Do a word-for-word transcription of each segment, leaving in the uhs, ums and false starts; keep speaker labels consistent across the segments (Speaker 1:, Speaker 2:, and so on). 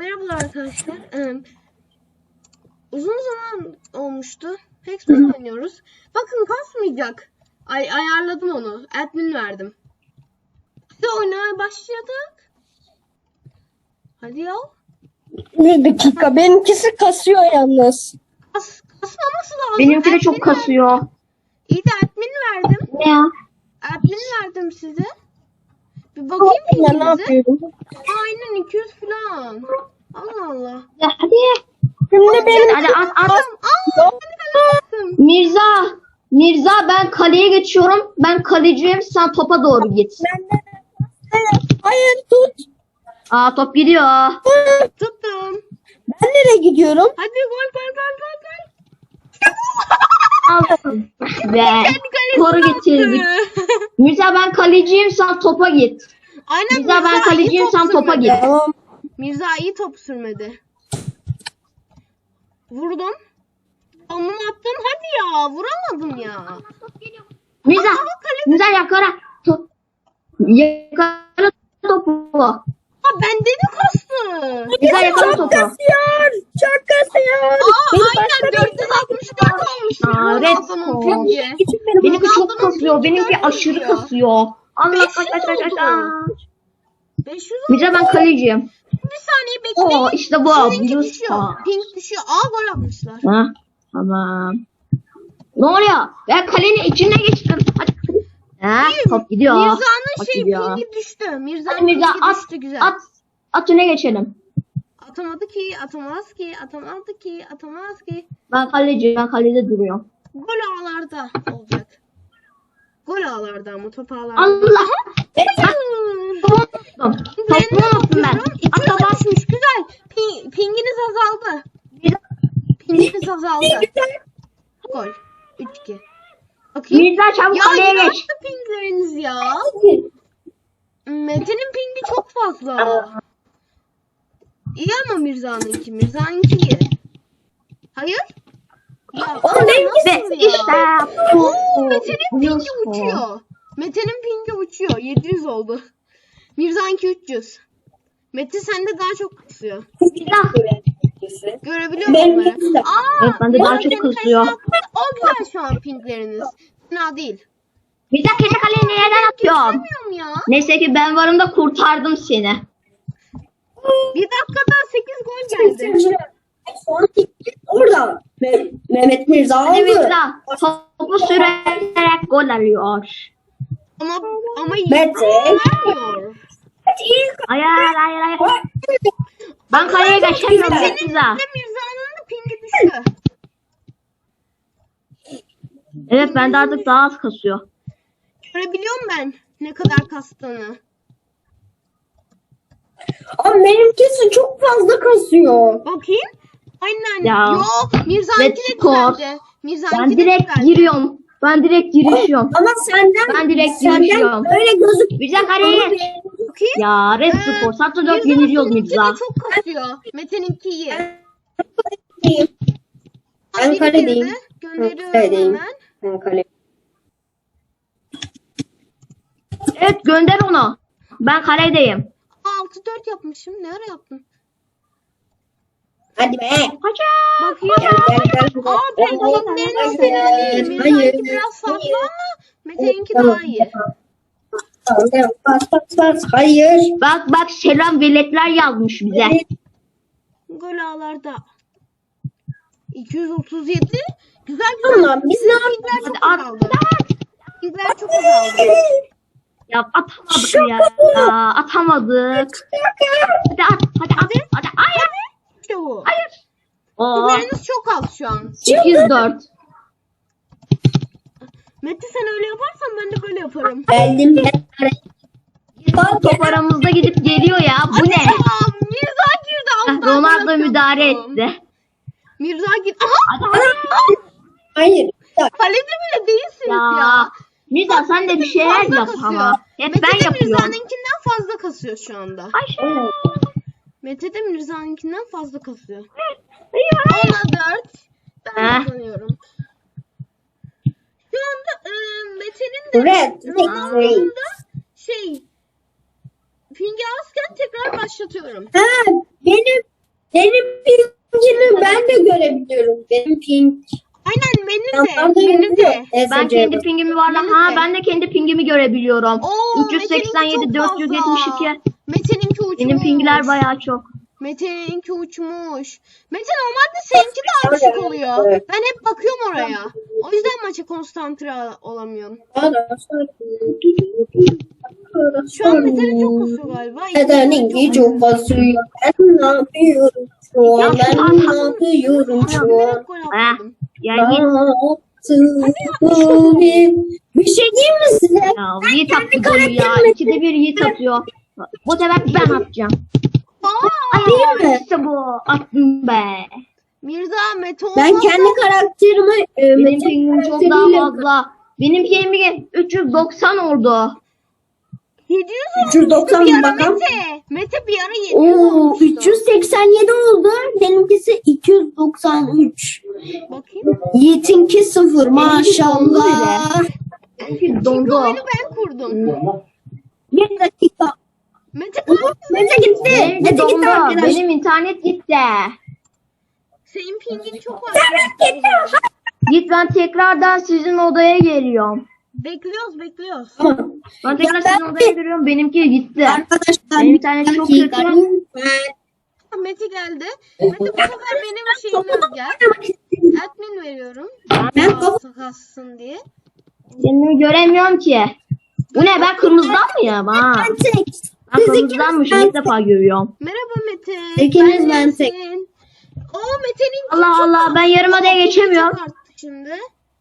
Speaker 1: Merhabalar arkadaşlar. Ee, uzun zaman olmuştu. Hexman oynuyoruz. Bakın kasmayacak. Ay ayarladım onu. Admin verdim. Hadi oynamaya başladık. Hadi ya.
Speaker 2: Bir dakika. Benimkisi kasıyor yalnız.
Speaker 1: Kas, kasmaması lazım.
Speaker 3: Benimki de çok
Speaker 1: Admin
Speaker 3: kasıyor.
Speaker 1: verdim. İyi de admin verdim.
Speaker 3: Ne ya?
Speaker 1: Admin verdim size. Bir bakayım
Speaker 2: Ben ne
Speaker 1: pinginize.
Speaker 2: yapıyorum?
Speaker 1: Aynen iki yüz falan. Allah Allah.
Speaker 3: Ya hadi.
Speaker 2: Şimdi benim
Speaker 3: Hadi at at.
Speaker 1: Aa, ben
Speaker 3: Mirza. Mirza ben kaleye geçiyorum. Ben kaleciyim. Sen topa doğru git.
Speaker 2: Hayır tut.
Speaker 3: Aa top gidiyor.
Speaker 1: tuttum.
Speaker 2: Ben nereye gidiyorum?
Speaker 1: Hadi gol gol gol gol gol.
Speaker 3: Aldım. Ve
Speaker 1: kalesine
Speaker 3: skoru getirdik.
Speaker 1: attı.
Speaker 3: Mirza ben kaleciyim. Sen topa git.
Speaker 1: Aynen
Speaker 3: Mirza ben
Speaker 1: iyi
Speaker 3: kaleciyim.
Speaker 1: top
Speaker 3: Sen topa
Speaker 1: sürmedi.
Speaker 3: git.
Speaker 2: Tamam.
Speaker 1: Mirza iyi top sürmedi. Vurdum. Onu attım hadi ya. Vuramadım ya.
Speaker 3: Mirza.
Speaker 1: Ama kale-
Speaker 3: Mirza yakala. Top. Yakala topu.
Speaker 1: Ha bende de kastı.
Speaker 3: Mirza yakala
Speaker 2: Çok
Speaker 3: topu.
Speaker 2: kasıyor. Çok kasıyor.
Speaker 1: Aa
Speaker 2: Beni
Speaker 1: aynen
Speaker 2: başka
Speaker 1: dört yüz altmış dört olmuş.
Speaker 3: Aa,
Speaker 1: Ronaldo'nun
Speaker 3: Red
Speaker 1: pingi.
Speaker 2: için benim
Speaker 3: Benimki çok
Speaker 1: Ronaldo'nun
Speaker 3: kasıyor.
Speaker 1: pingi
Speaker 3: Benimki
Speaker 1: dört yüz
Speaker 3: aşırı
Speaker 1: ya.
Speaker 3: kasıyor. Allah
Speaker 1: beş
Speaker 3: kaç
Speaker 1: yüz
Speaker 3: kaç kaç kaç
Speaker 1: oldu.
Speaker 3: kaç.
Speaker 1: beş yüz
Speaker 3: Mirza ben
Speaker 1: oldu.
Speaker 3: kaleciyim.
Speaker 1: Bir saniye bekleyin.
Speaker 3: Oo işte bu.
Speaker 1: Sizinki
Speaker 3: Blue
Speaker 1: düşüyor.
Speaker 3: Star.
Speaker 1: Pink düşüyor. Aa gol atmışlar.
Speaker 3: Ha, tamam. Ne oluyor? Ben kalenin içine geçtim. Hadi. Ha, top gidiyor.
Speaker 1: Mirza'nın
Speaker 3: Top
Speaker 1: şey
Speaker 3: gidiyor.
Speaker 1: pingi düştü.
Speaker 3: Hadi
Speaker 1: Mirza'nın
Speaker 3: Mirza
Speaker 1: pingi
Speaker 3: at.
Speaker 1: düştü güzel.
Speaker 3: At. At öne geçelim.
Speaker 1: Atamadı ki, atamaz ki, atamadı ki, atamaz ki.
Speaker 3: Ben kaleci. Ben kalede duruyorum.
Speaker 1: Gol ağlarda olacak. Gol ağlarda ama top ağlarda.
Speaker 3: Allah.
Speaker 1: Hayır.
Speaker 3: Topu unuttum. Topu unuttum ben.
Speaker 1: İki
Speaker 3: At topu.
Speaker 1: düşmüş güzel. Ping, pinginiz azaldı. Pinginiz azaldı. Gol. üç iki. Bakayım.
Speaker 3: Mirza çabuk
Speaker 1: Ya
Speaker 3: kaleye
Speaker 1: ne
Speaker 3: geç.
Speaker 1: yaptı pingleriniz ya? Mete'nin pingi çok fazla. İyi ama Mirza'nınki. Mirza'nınki iyi. Hayır. Ya,
Speaker 2: Oğlum benimki
Speaker 1: nasıl
Speaker 3: Ve
Speaker 1: ya?
Speaker 3: işte bu.
Speaker 1: Oo, Mete'nin
Speaker 3: Blue
Speaker 1: pingi
Speaker 3: Star.
Speaker 1: uçuyor. Mete'nin pingi uçuyor. yedi yüz oldu. Mirza'nınki üç yüz. Mete sende daha çok kasıyor. Görebiliyor musun
Speaker 2: Benimki
Speaker 1: onları?
Speaker 2: de.
Speaker 1: Aa,
Speaker 3: Evet, bende daha
Speaker 1: Mete'nin
Speaker 3: çok kasıyor.
Speaker 1: kalesine attı. O güzel şu an pingleriniz. Fena değil.
Speaker 3: Mirza kendi kaleye nereden atıyorum?
Speaker 1: Göstermiyorum ya.
Speaker 3: Neyse ki ben varım da kurtardım seni.
Speaker 1: Bir dakikada sekiz gol geldi.
Speaker 2: Sonra gitti. Orada. Me- Mehmet Mirza
Speaker 3: Hadi
Speaker 2: aldı.
Speaker 3: Mirza topu sürerek gol alıyor.
Speaker 1: Ama ama
Speaker 2: Mete.
Speaker 1: vermiyor.
Speaker 3: Hayır hayır hayır. Ben kaleye geçemiyorum
Speaker 1: Senin
Speaker 3: Mirza.
Speaker 1: de Mirza'nın da pingi düştü.
Speaker 3: Evet ben de artık daha az kasıyor.
Speaker 1: Görebiliyorum ben ne kadar kastığını.
Speaker 2: Ama benimkisi çok fazla kasıyor.
Speaker 1: Bakayım. Aynen.
Speaker 3: Ya.
Speaker 1: Yok. Mirza'nınki
Speaker 3: Red
Speaker 1: de
Speaker 3: score.
Speaker 1: güzeldi.
Speaker 3: Ben
Speaker 1: Mirza'nınki de
Speaker 3: direkt
Speaker 1: güzeldi.
Speaker 3: giriyorum. Ben direkt girişiyorum.
Speaker 2: Ama senden
Speaker 3: Ben direkt
Speaker 2: senden
Speaker 3: girişiyorum.
Speaker 2: öyle gözük.
Speaker 3: Mirza kaleye geç.
Speaker 1: Bakayım.
Speaker 3: Ya red
Speaker 1: Ee,
Speaker 3: skor. Satı dört
Speaker 1: Mirza'nınki
Speaker 3: yeniliyoruz
Speaker 1: de
Speaker 3: Mirza.
Speaker 1: çok kasıyor. Mete'ninki iyi.
Speaker 2: Ben
Speaker 1: Biri
Speaker 2: kaledeyim.
Speaker 1: girdi. Gönderiyorum
Speaker 2: Kaledeyim.
Speaker 1: hemen.
Speaker 2: Ben kale.
Speaker 3: Evet gönder onu. Ben kaledeyim.
Speaker 1: altı dört yapmışım. Ne ara yaptım?
Speaker 2: Hadi be.
Speaker 3: Kaça.
Speaker 1: Bakayım.
Speaker 2: Gel gel gel.
Speaker 1: Aa ben pingleriniz fena değil. Mirza'nınki biraz farklı ama Mete'ninki daha iyi.
Speaker 2: Bas bas bas. Hayır.
Speaker 3: Bak bak selam veletler yazmış bize.
Speaker 1: Gol ağlarda. iki yüz otuz yedi. Güzel güzel.
Speaker 2: Tamam, biz ne yaptık?
Speaker 1: Pingler çok
Speaker 3: Hadi at.
Speaker 1: azaldı. Pingler çok azaldı.
Speaker 3: Ya atamadık ya. ya. Atamadık. Hadi at. Hadi at. Hadi. Hayır.
Speaker 1: İşte bu.
Speaker 3: Hayır. Oo.
Speaker 1: Pingleriniz çok az şu an.
Speaker 3: sekiz dört.
Speaker 1: Mete sen öyle yaparsan ben de böyle yaparım.
Speaker 2: Geldim ben.
Speaker 3: Top aramızda gidip geliyor ya. Bu ne?
Speaker 1: Aa, Mirza girdi.
Speaker 3: Heh,
Speaker 1: alttan
Speaker 3: Ronaldo
Speaker 1: bırakıyordum.
Speaker 3: müdahale etti.
Speaker 1: Mirza girdi. Aha.
Speaker 3: Hadi hadi.
Speaker 2: Hayır.
Speaker 1: Kalede bile değilsiniz ya.
Speaker 3: Ya. Mirza sen de bir şeyler
Speaker 1: Fazla
Speaker 3: yap
Speaker 1: kasıyor.
Speaker 3: ama. Hep
Speaker 1: Mete
Speaker 3: ben
Speaker 1: de
Speaker 3: yapıyorum.
Speaker 1: Mirza'nınkinden fazla kasıyor şu anda.
Speaker 3: Ayşe.
Speaker 1: Mete de Mirza'nınkinden fazla kasıyor.
Speaker 3: Hayır.
Speaker 1: Ona dört. Ben
Speaker 3: Heh.
Speaker 1: kazanıyorum. Şu anda e, Mete'nin de
Speaker 2: Red.
Speaker 1: Ronaldo'nun da şey pingi azken tekrar başlatıyorum.
Speaker 2: Ha, benim Benim pingimi ben de görebiliyorum. Benim ping.
Speaker 1: Aynen benim
Speaker 2: Yanlarda
Speaker 1: de. Benim de.
Speaker 2: yazıyor.
Speaker 3: Ben
Speaker 2: S C.
Speaker 3: kendi pingimi var
Speaker 1: Benim
Speaker 3: ha
Speaker 1: de.
Speaker 3: ben de kendi pingimi görebiliyorum.
Speaker 1: Oo,
Speaker 3: üç yüz seksen yedi
Speaker 1: Mete'ninki çok
Speaker 3: dört yüz yetmiş iki.
Speaker 1: fazla. Mete'ninki uçmuş.
Speaker 3: Benim pingler bayağı çok.
Speaker 1: Mete'ninki uçmuş. Mete normalde seninki de arışık oluyor.
Speaker 2: Evet.
Speaker 1: Ben hep bakıyorum oraya. O yüzden maça konsantre olamıyorum. Şu an Mete'nin çok kasıyor galiba.
Speaker 2: Nedeninki çok basıyor. Ben ne yapıyorum şu an? Ben ne yapıyorum şu an?
Speaker 1: Direkt gol
Speaker 3: Ha.
Speaker 1: atladım.
Speaker 3: Yani
Speaker 2: Bir şey diyeyim mi size?
Speaker 3: ya Yiğit attı golü ya. İkide bir Yiğit atıyor. Bu sefer ben atacağım.
Speaker 1: Aa,
Speaker 2: Değil mi?
Speaker 3: İşte bu. Attım be.
Speaker 1: Mirza Mete olmasa
Speaker 2: Ben kendi karakterimi e,
Speaker 3: Benim
Speaker 2: Mete
Speaker 3: pingim çok
Speaker 2: karakteriyle-
Speaker 3: daha fazla. Benim pingim üç yüz doksan oldu.
Speaker 1: yedi yüz
Speaker 2: üç yüz doksan
Speaker 1: bir ara
Speaker 2: bakalım.
Speaker 1: Mete. Mete bir ara yedi yüz
Speaker 2: Oo,
Speaker 1: olmuştu.
Speaker 2: üç yüz seksen yedi oldu. Benimkisi iki yüz doksan üç.
Speaker 1: Bakayım.
Speaker 2: Yiğit'inki sıfır maşallah.
Speaker 3: Çünkü dondu.
Speaker 1: Oyunu ben kurdum.
Speaker 2: Bir dakika.
Speaker 1: Mete
Speaker 2: Mete gitti.
Speaker 3: Benim
Speaker 2: Mete gitti
Speaker 3: dondu.
Speaker 2: arkadaşlar.
Speaker 3: Benim internet gitti.
Speaker 1: senin pingin çok var.
Speaker 3: Git ben tekrardan sizin odaya geliyorum.
Speaker 1: Bekliyoruz bekliyoruz.
Speaker 2: Tamam.
Speaker 3: Ben tekrar
Speaker 2: Ya ben-
Speaker 3: sizin odaya geliyorum. Benimki gitti.
Speaker 2: Arkadaşlar
Speaker 3: Benim internet çok
Speaker 2: dakika,
Speaker 3: kötü.
Speaker 2: lütfen.
Speaker 1: Mete geldi. Mete bu sefer benim şeyime gel. Admin veriyorum.
Speaker 2: Ben
Speaker 1: Daha sakatsın diye.
Speaker 3: Seni göremiyorum ki. Bu ne ben kırmızıdan mıyım ha?
Speaker 2: Ben tek.
Speaker 3: Ben
Speaker 2: Siz
Speaker 3: kırmızıdanmışım
Speaker 2: ikiniz
Speaker 3: ilk defa görüyorum.
Speaker 1: Merhaba Mete.
Speaker 2: İkiniz ben
Speaker 1: neredesin?
Speaker 2: tek.
Speaker 1: Oo Mete'nin
Speaker 3: Allah Allah ben yarım adaya geçemiyorum.
Speaker 1: çok arttı şimdi.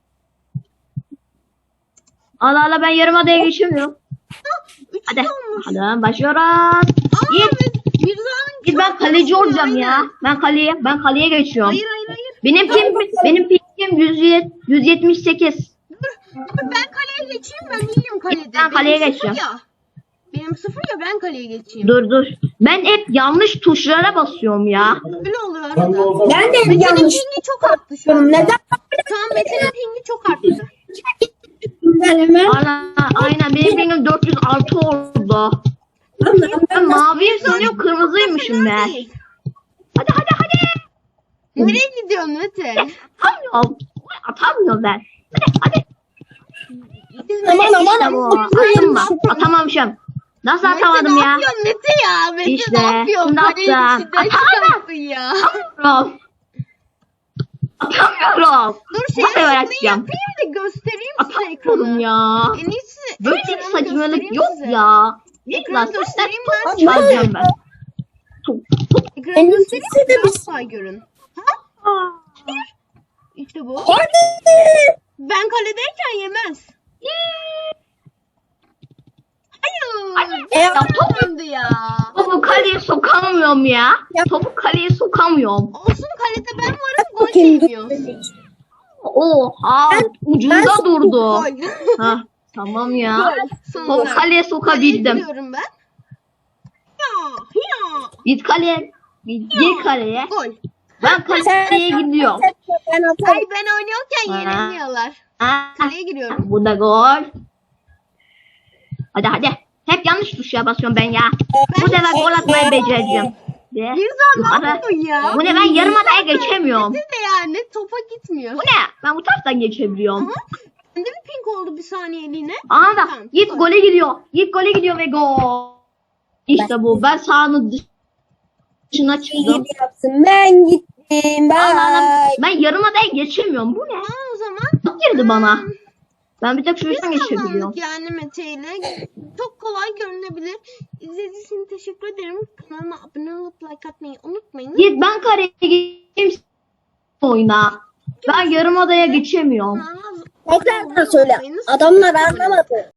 Speaker 3: Allah Allah ben yarım adaya geçemiyorum.
Speaker 1: Üç
Speaker 3: Hadi.
Speaker 1: olmuş.
Speaker 3: Hadi başlıyoruz.
Speaker 1: Aa,
Speaker 3: Git.
Speaker 1: Mir- Mirza'nın
Speaker 3: Git
Speaker 1: çok
Speaker 3: ben kaleci
Speaker 1: kasıyor,
Speaker 3: olacağım ya.
Speaker 1: aynen.
Speaker 3: Ben kaleye ben kaleye geçiyorum.
Speaker 1: Hayır hayır hayır.
Speaker 3: Benim ping benim pingim yüz yetmiş sekiz.
Speaker 1: Dur, dur ben kaleye geçeyim ben iyiyim kalede.
Speaker 3: Ben kaleye
Speaker 1: Benim
Speaker 3: geçeceğim.
Speaker 1: sıfır ya. Benim sıfır ya ben kaleye geçeyim.
Speaker 3: Dur dur. Ben hep yanlış tuşlara basıyorum ya.
Speaker 1: Öyle oluyor arada.
Speaker 2: Ben de
Speaker 1: Mete'nin
Speaker 2: yanlış.
Speaker 1: pingi çok arttı şu an.
Speaker 2: Neden?
Speaker 1: Şu an Mete'nin pingi çok arttı.
Speaker 2: Ben hemen.
Speaker 3: Aynen, aynen benim pingim dört yüz altı oldu. Ben maviyim sanıyorum kırmızıymışım ben.
Speaker 1: Değil.
Speaker 3: Hadi hadi hadi.
Speaker 1: Nereye gidiyorsun Mete?
Speaker 3: Atamıyorum. Atamıyorum ben. Hadi hadi.
Speaker 1: Biz
Speaker 2: Aman,
Speaker 1: nereye
Speaker 2: aman,
Speaker 1: gidiyoruz?
Speaker 3: Bu.
Speaker 2: aman.
Speaker 3: Attım mı? Atamamışım. Nasıl
Speaker 1: Mete
Speaker 3: atamadım
Speaker 1: ne
Speaker 3: ya?
Speaker 1: yapıyorsun Mete ya? Mete
Speaker 3: İşte,
Speaker 1: ne yapıyorsun?
Speaker 3: şimdi
Speaker 1: Kalenin
Speaker 3: attım.
Speaker 1: içinden
Speaker 3: Atamam.
Speaker 1: çıkarsın ya.
Speaker 3: Atamıyorum. Atamıyorum.
Speaker 1: Dur şey
Speaker 3: Bu sefer
Speaker 1: yapayım
Speaker 3: atacağım.
Speaker 1: da göstereyim size
Speaker 3: Atamıyorum
Speaker 1: ekranı.
Speaker 3: ya.
Speaker 1: En iyisi
Speaker 3: Böyle bir
Speaker 1: ekranı
Speaker 3: saçmalık
Speaker 1: göstereyim
Speaker 3: yok
Speaker 1: size.
Speaker 3: ya. Git
Speaker 1: Ekranı
Speaker 3: lan sen
Speaker 1: göstereyim
Speaker 3: top
Speaker 1: ben.
Speaker 3: çalacağım ben. Top.
Speaker 1: Ekranı
Speaker 2: En
Speaker 1: göstereyim
Speaker 2: iyisi de
Speaker 1: daha
Speaker 2: biz-
Speaker 1: kolay görün.
Speaker 3: Aa.
Speaker 1: İşte bu.
Speaker 2: Hadi.
Speaker 1: Ben kaledeyken yemez. Hayır.
Speaker 3: E, ya top-
Speaker 1: Döndü ya.
Speaker 3: Topu kaleye sokamıyorum ya. Topu kaleye sokamıyorum.
Speaker 1: Olsun kalede ben varım gol
Speaker 2: Bakayım, dur.
Speaker 1: yemiyor.
Speaker 3: Oha
Speaker 2: Ben-
Speaker 3: ucunda
Speaker 2: ben-
Speaker 3: durdu.
Speaker 1: Gol.
Speaker 3: Ha, tamam ya.
Speaker 1: Gol.
Speaker 3: Topu
Speaker 1: Sonunda.
Speaker 3: kaleye
Speaker 1: Kaleye
Speaker 3: sokabildim.
Speaker 1: gidiyorum ben. Ya, ya.
Speaker 3: Git kaleye. Git gir kaleye.
Speaker 1: Gol.
Speaker 3: Ben kaleye gidiyorum.
Speaker 2: Ben
Speaker 1: Ay
Speaker 2: atarım.
Speaker 1: ben oynuyorken
Speaker 3: Ha.
Speaker 1: yenilmiyorlar.
Speaker 3: Ha,
Speaker 1: Kaleye giriyorum.
Speaker 3: bu da gol. Hadi hadi. Hep yanlış tuşa basıyorum ben ya. Bu sefer gol atmayı becereceğim. Ve
Speaker 1: Mirza ne
Speaker 3: yukarı.
Speaker 1: yapıyorsun ya?
Speaker 3: Bu ne ben yarım adaya geçemiyorum.
Speaker 1: Mete de yani topa gitmiyor.
Speaker 3: Bu ne? Ben bu taraftan geçebiliyorum.
Speaker 1: Ama bende bir pink oldu bir saniyeliğine.
Speaker 3: Aa da
Speaker 1: Tamam,
Speaker 3: Yiğit
Speaker 1: gol.
Speaker 3: gole gidiyor. Yiğit gole gidiyor ve gol. İşte bu. Ben sahanın dışına çıktım.
Speaker 2: Git yapsın. Ben gittim.
Speaker 3: Allah Allah.
Speaker 2: Bye.
Speaker 3: Ben yarım adaya geçemiyorum. Bu ne?
Speaker 1: Aa o zaman.
Speaker 3: Çok girdi bana. Ben bir tek
Speaker 1: Biz
Speaker 3: şuradan geçebiliyorum.
Speaker 1: kazandık yani Mete ile. Çok kolay görünebilir. İzlediğiniz için teşekkür ederim. Kanalıma abone olup like atmayı unutmayın.
Speaker 3: Yiğit ben kareye geçeyim oyuna. Ben yarım adaya geçemiyorum.
Speaker 1: Kanalıma
Speaker 2: Tekrar söyle. Adamlar anlamadı.